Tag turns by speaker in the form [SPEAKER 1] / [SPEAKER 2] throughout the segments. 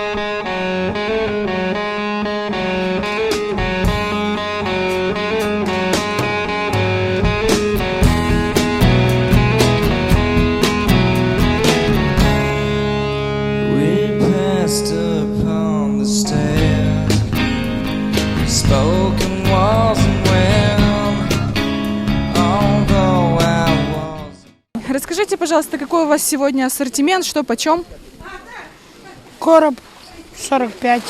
[SPEAKER 1] Расскажите, пожалуйста, какой у вас сегодня ассортимент, что почем?
[SPEAKER 2] Короб 45,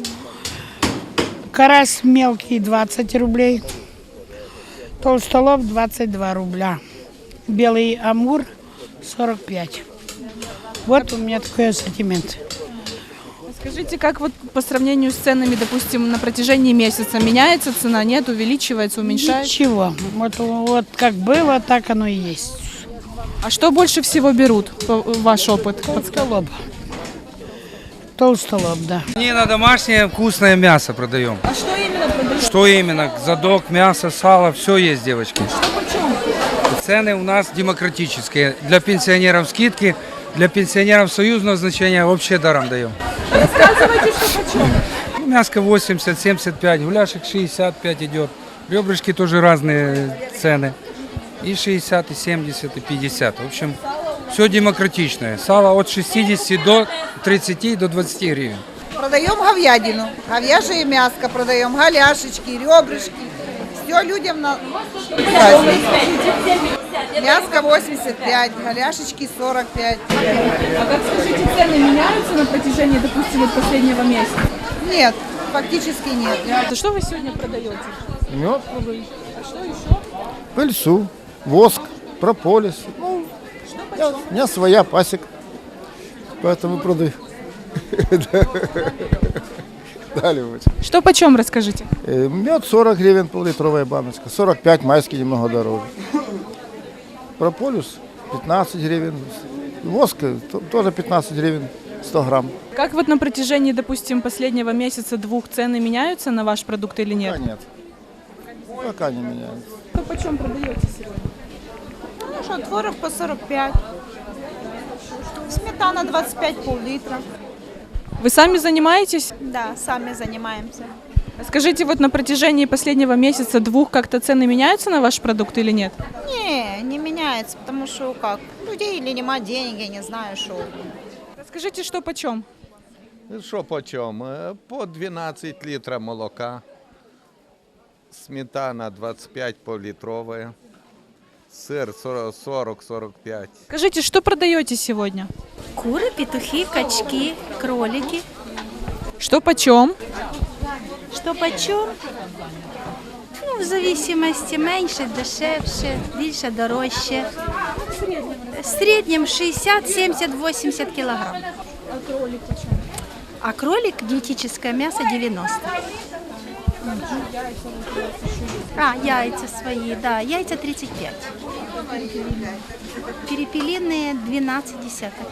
[SPEAKER 2] карась мелкий 20 рублей, толстолоб 22 рубля, белый амур 45. Вот у меня такой ассортимент.
[SPEAKER 1] Скажите, как вот по сравнению с ценами, допустим, на протяжении месяца меняется цена, нет, увеличивается, уменьшается?
[SPEAKER 2] Ничего, вот как было, так оно и есть.
[SPEAKER 1] А что больше всего берут, ваш опыт?
[SPEAKER 2] Толстолоб. Толстолоб, да.
[SPEAKER 3] Не на домашнее вкусное мясо продаем.
[SPEAKER 1] А что именно продаете?
[SPEAKER 3] Что именно? Задок, мясо, сало, все есть, девочки.
[SPEAKER 1] Что почем?
[SPEAKER 3] Цены у нас демократические. Для пенсионеров скидки, для пенсионеров союзного значения вообще даром даем.
[SPEAKER 1] Рассказывайте, что почем?
[SPEAKER 3] Мяско 80, 75, гуляшек 65 идет. Ребрышки тоже разные цены. И 60, и 70, и 50. В общем, все демократичное. Сало от 60 до 30, до 20 гривен.
[SPEAKER 4] Продаем говядину, говяжье мяско продаем, голяшечки, ребрышки. Все людям на праздник. Мяско 85, голяшечки 45.
[SPEAKER 1] А как, скажите, цены меняются на протяжении, допустим, вот последнего месяца?
[SPEAKER 4] Нет, фактически нет.
[SPEAKER 1] А что вы сегодня продаете?
[SPEAKER 5] Мед продаю.
[SPEAKER 1] А что еще?
[SPEAKER 5] Пыльцу, воск, прополис. Ну, у меня своя пасека, поэтому продаю. Далее вот.
[SPEAKER 1] Что почем, расскажите?
[SPEAKER 5] Мед 40 гривен, пол-литровая баночка. 45, майский немного дороже. Прополис 15 гривен. Воск тоже 15 гривен, 100 грамм.
[SPEAKER 1] Как вот на протяжении, допустим, последнего месяца, двух цены меняются на ваш продукт или нет?
[SPEAKER 5] Пока нет. Пока не меняется.
[SPEAKER 1] Что почем продаете сегодня?
[SPEAKER 4] Ну что, творог по 45. Сметана 25, пол-литра.
[SPEAKER 1] Вы сами занимаетесь?
[SPEAKER 4] Да, сами занимаемся.
[SPEAKER 1] Скажите, вот на протяжении последнего месяца, двух, как-то цены меняются на ваш продукт или нет?
[SPEAKER 4] Не меняется, потому что как, людей или нема денег, я не знаю, что.
[SPEAKER 1] Расскажите, что почем?
[SPEAKER 6] Що по чому? По 12 літрів молока, сметана 25 пол-литровая, сыр 40-45.
[SPEAKER 1] Скажите, что продаете сегодня?
[SPEAKER 7] Куры, петухи, качки, кролики.
[SPEAKER 1] Что почем?
[SPEAKER 7] Что почем? Ну, в зависимости меньше, дешевше, більше, дорожче. В среднем 60, 70, 80 килограмм.
[SPEAKER 1] А кролик почем?
[SPEAKER 7] А кролик, диетическое мясо 90. А, яйца свои, да, яйца 35. Перепелиные 12 десяток.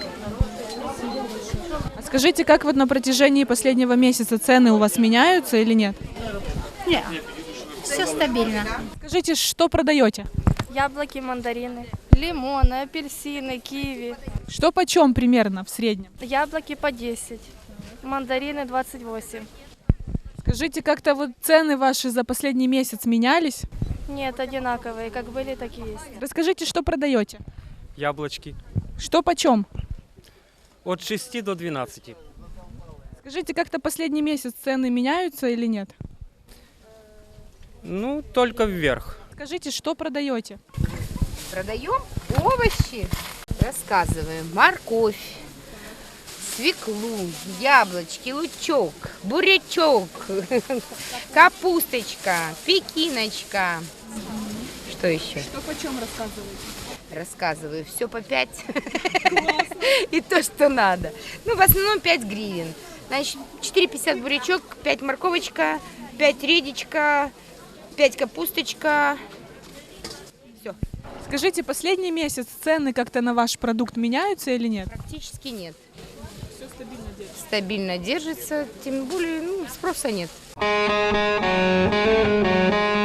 [SPEAKER 1] А скажите, как вот на протяжении последнего месяца цены у вас меняются или нет?
[SPEAKER 7] Нет, все стабильно.
[SPEAKER 1] Скажите, что продаете?
[SPEAKER 8] Яблоки, мандарины, лимоны, апельсины, киви.
[SPEAKER 1] Что почем примерно в среднем?
[SPEAKER 8] Яблоки по 10, мандарины 28.
[SPEAKER 1] Скажите, как-то вот цены ваши за последний месяц менялись?
[SPEAKER 8] Нет, одинаковые, как были, так и есть.
[SPEAKER 1] Расскажите, что продаете?
[SPEAKER 9] Яблочки.
[SPEAKER 1] Что почем?
[SPEAKER 9] От 6 до 12.
[SPEAKER 1] Скажите, как-то последний месяц цены меняются или нет?
[SPEAKER 9] Ну, только вверх.
[SPEAKER 1] Скажите, что продаете?
[SPEAKER 10] Продаем овощи, рассказываем. Морковь, свеклу, яблочки, лучок, бурячок, капусточка, пекиночка. Что еще?
[SPEAKER 1] Что почем рассказываете?
[SPEAKER 10] Рассказываю. Все по 5. И то, что надо. Ну, в основном 5 гривен. Значит, 4,50 бурячок, 5 морковочка, 5 редечка, 5 капусточка. Все.
[SPEAKER 1] Скажите, последний месяц цены как-то на ваш продукт меняются или нет?
[SPEAKER 10] Практически нет.
[SPEAKER 1] Все стабильно держится.
[SPEAKER 10] Стабильно держится, тем более, спроса нет.